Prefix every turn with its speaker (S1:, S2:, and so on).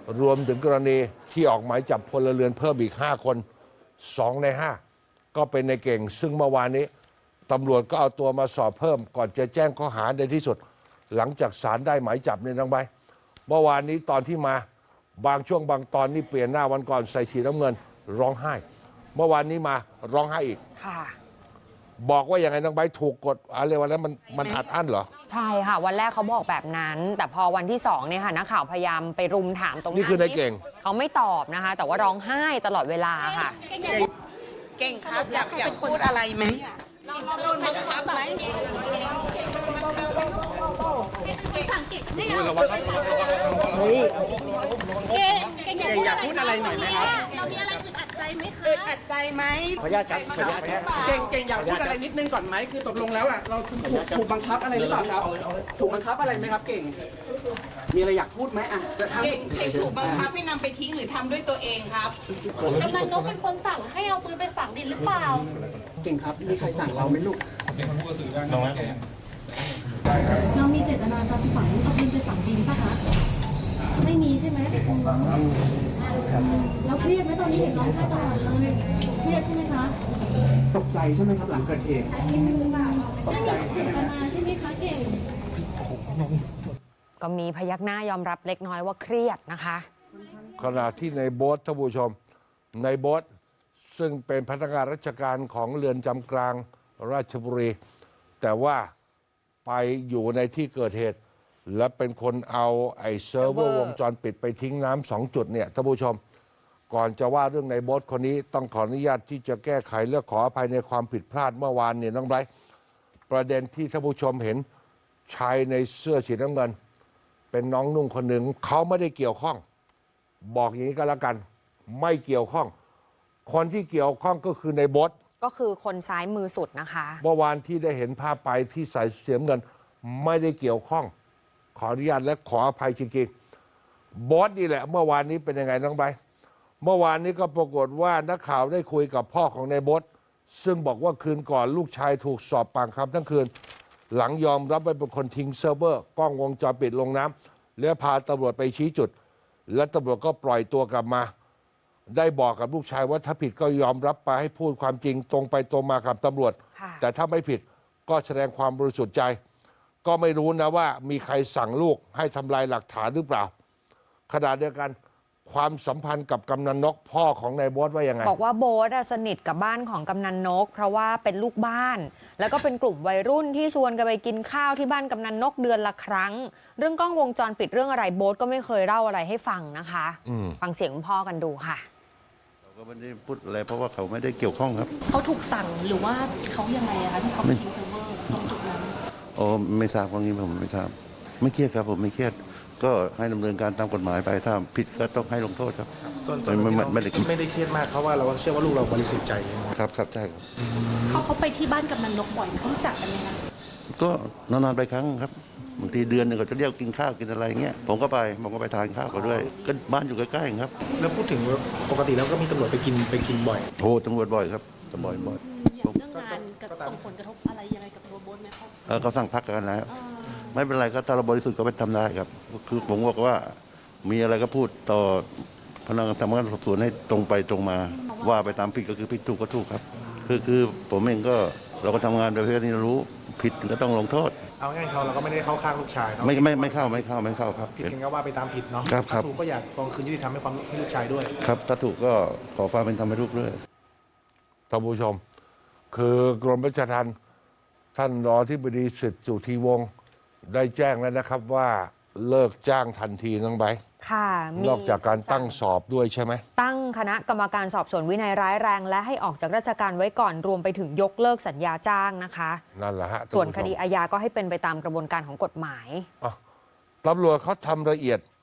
S1: รวมถึงกรณีที่ออกหมายจับพลเรือนเพิ่มอีก5 คน2 ใน 5ก็เป็นในเก่งซึ่งเมื่อวานนี้ตำรวจก็เอาตัวมาสอบเพิ่มก่อนจะแจ้งข้อหาในที่สุดหลังจากศาลได้หมายจับในน้องใบเมื่อวานนี้ตอนที่มาบางช่วงบางตอนนี่เปลี่ยนหน้าวันก่อนใส่สีน้ำเงินร้องไห้เมื่อวานนี้มาร้องไห้อีก
S2: ค่ะ
S1: บอกว่าอย่างไรน้องใบถูกกดอะไรวันนั้นมันอัดอั้นเหรอ
S2: ใช่ค่ะวันแรกเขาบอกแบบนั้นแต่พอวันที่2เนี่ยค่ะนักข่าวพยายามไปรุมถามตรง
S1: นี้นี่คือในเก่ง
S2: เขาไม่ตอบนะคะแต่ว่าร้องไห้ตลอดเวลาค่ะ
S3: เก่งครับอยากพูดอะไรไหมเราโดนบังคับไหม
S4: เก่งอยากพูดอะไรหน่อยไหมครับ
S5: เรามีอะไรอึดอัดใจไหมคะ
S3: อึดอัดใจไหม
S4: ขออนุญาตครับขออนุญาตเก่งอยากพูดอะไรนิดนึงก่อนไหมคือตกลงแล้วอ่ะเราถูกบังคับอะไรหรือเปล่าครับถูกบังคับอะไรไหมครับเก่งมีอะไรอยากพูดไหมอ่ะ
S3: เก่งถูกบังคับให้นำไปทิ้งหรือทำด้วยตัวเองครับ
S5: กำนันนกเป็นคนสั่งให้เอาปืนไปฝังดินหรือเปล่า
S4: เก่งครับมีใครสั่งเราไหมลูก
S5: เรามีเจตนาจะฝังเอาปืนไปฝังดินป่ะคะไม่มีใช่ไหมเราเครียดไหมตอนนี้เห็นร้องไห้ตลอดเลยเครียดใช่ไหมคะ
S4: ตกใจใช่ไหมครับหลังเกิดเหตุ
S5: ไม่มีเจตนาใช่ไหมคะเก่ง
S2: ก็มีพยักหน้ายอมรับเล็กน้อยว่าเครียดนะคะ
S1: ขณะที่ในโบ๊ทท่านผู้ชมในโบ๊ทซึ่งเป็นพนักงานราชการของเรือนจำกลางราชบุรีแต่ว่าไปอยู่ในที่เกิดเหตุและเป็นคนเอาไอ้เซิร์ฟเวอร์วงจรปิดไปทิ้งน้ำ2 จุดเนี่ยท่านผู้ชมก่อนจะว่าเรื่องในโบ๊ทคนนี้ต้องขออนุญาตที่จะแก้ไขและขออภัยในความผิดพลาดเมื่อวานเนี่ยน้องไบรท์ประเด็นที่ท่านผู้ชมเห็นชายในเสื้อสีน้ำเงินเป็นน้องนุ่งคนหนึ่งเขาไม่ได้เกี่ยวข้องบอกอย่างนี้ก็แล้วกันไม่เกี่ยวข้องคนที่เกี่ยวข้องก็คือในโบ๊ท
S2: ก็คือคนซ้ายมือสุดนะคะ
S1: เมื่อวานที่ได้เห็นภาพไปที่ใส่เสียเงินไม่ได้เกี่ยวข้องขออนุญาตและขออภัยจริงๆโบ๊ทนี่แหละเมื่อวานนี้เป็นยังไงน้องใบเมื่อวานนี้ก็ปรากฏว่านักข่าวได้คุยกับพ่อของในโบ๊ทซึ่งบอกว่าคืนก่อนลูกชายถูกสอบปากคำทั้งคืนหลังยอมรับว่าเป็นคนทิ้งเซิร์ฟเวอร์กล้องวงจรปิดลงน้ำแล้วพาตำรวจไปชี้จุดและตำรวจก็ปล่อยตัวกลับมาได้บอกกับลูกชายว่าถ้าผิดก็ยอมรับไปให้พูดความจริงตรงไปตรงมากับตำรวจแต่ถ้าไม่ผิดก็แสดงความบริสุทธิ์ใจก็ไม่รู้นะว่ามีใครสั่งลูกให้ทำลายหลักฐานหรือเปล่าขณะเดียวกันความสัมพันธ์กับกำนันนกพ่อของนายโบ๊ทว่ายังไง
S2: บอกว่าโบ๊ทสนิทกับบ้านของกำนันนกเพราะว่าเป็นลูกบ้านแล้วก็เป็นกลุ่มวัยรุ่นที่ชวนกันไปกินข้าวที่บ้านกำนันนกเดือนละครั้งเรื่องกล้องวงจรปิดเรื่องอะไรโบ๊ทก็ไม่เคยเล่าอะไรให้ฟังนะคะฟังเสียงคุณพ่อกันดูค่ะ
S6: เราก็ไม่ได้พูดอะไรเพราะว่าเขาไม่ได้เกี่ยวข้องครับ
S5: เขาถูกสั่งหรือว่าเขายังไงคะที่เขาไปทิ้งเซิร์ฟเวอร์ตรงจุดนั้น
S6: โอ้ไม่ทราบว่างี้ผมไม่ทราบไม่เครียดครับผมไม่เครียดก็ให้ดำเนินการตามกฎหมายไปถ้าผิดก็ต้องให้ลงโทษครับ
S4: ส่วนไม่ได้เครียดมากเพราะว่าเราเชื่อว่าลูกเราบริสุทธิ์ใจ
S6: ครับใช่ครับ
S5: เขาไปที่บ้านกำนันนกบ่อยเขารู้จักกันไหมคะ
S6: ก็นานๆไปครั้งครับบางทีเดือนหนึ่งก็จะเรียกกินข้าวกินอะไรเงี้ยผมก็ไปทานข้าวเขาด้วยก็บ้านอยู่ใกล้ๆครับ
S4: แล้วพูดถึงปกติแล้วก็มีตำรวจไปกินบ่อย
S6: โอ้ตำรวจบ่อยครับตำรวจบ่อย
S5: เรื่องงานกับส่งผลกระทบอะไรยังไงกับตัวโบ๊ทไหมครับ
S6: เขาสั่งพักกันแล้วไม่เป็นไรก็ถ้าเราบริสุทธิ์ก็ไปทำได้ครับคือผมบอกว่ามีอะไรก็พูดต่อพนักงานทำงานสอบสวนให้ตรงไปตรงมาว่าไปตามผิดก็คือผิดถูกก็ถูกครับคือผมเองก็เราก็ทำงานโดยที่เรารู้ผิดก็ต้องลงโทษ
S4: เอาง่ายเราก็ไม่ได้เข้าข้างลูกชายเนาะ
S6: ไม่เข้าครับ
S4: ผิดกันก็ว่าไปตามผิดเนาะ
S6: ถ้า
S4: ถูกก็อยากกองคืนยุติธรรมให้ลูกชายด้วย
S6: ครับถ้าถูกก็ขอความเป็นธรรมให้ลูกด้วย
S1: ท่านผู้ชมคือกรมราชทัณฑ์ท่านรองอธิบดีสิทธิ์สุธีวงศ์ได้แจ้งแล้วนะครับว่าเลิกจ้างทันทีน้องใบ
S2: ค่ะ
S1: นอกจากการตั้งสอบด้วยใช่ไหม
S2: ตั้งคณะกรรมการสอบสวนวินัยร้ายแรงและให้ออกจากราชการไว้ก่อนรวมไปถึงยกเลิกสัญญาจ้างนะคะ
S1: นั่นแหละฮะ
S2: ส่วนคดีอาญาก็ให้เป็นไปตามกระบวนการของกฎหมาย
S1: ตำรวจเขาทำละเอียด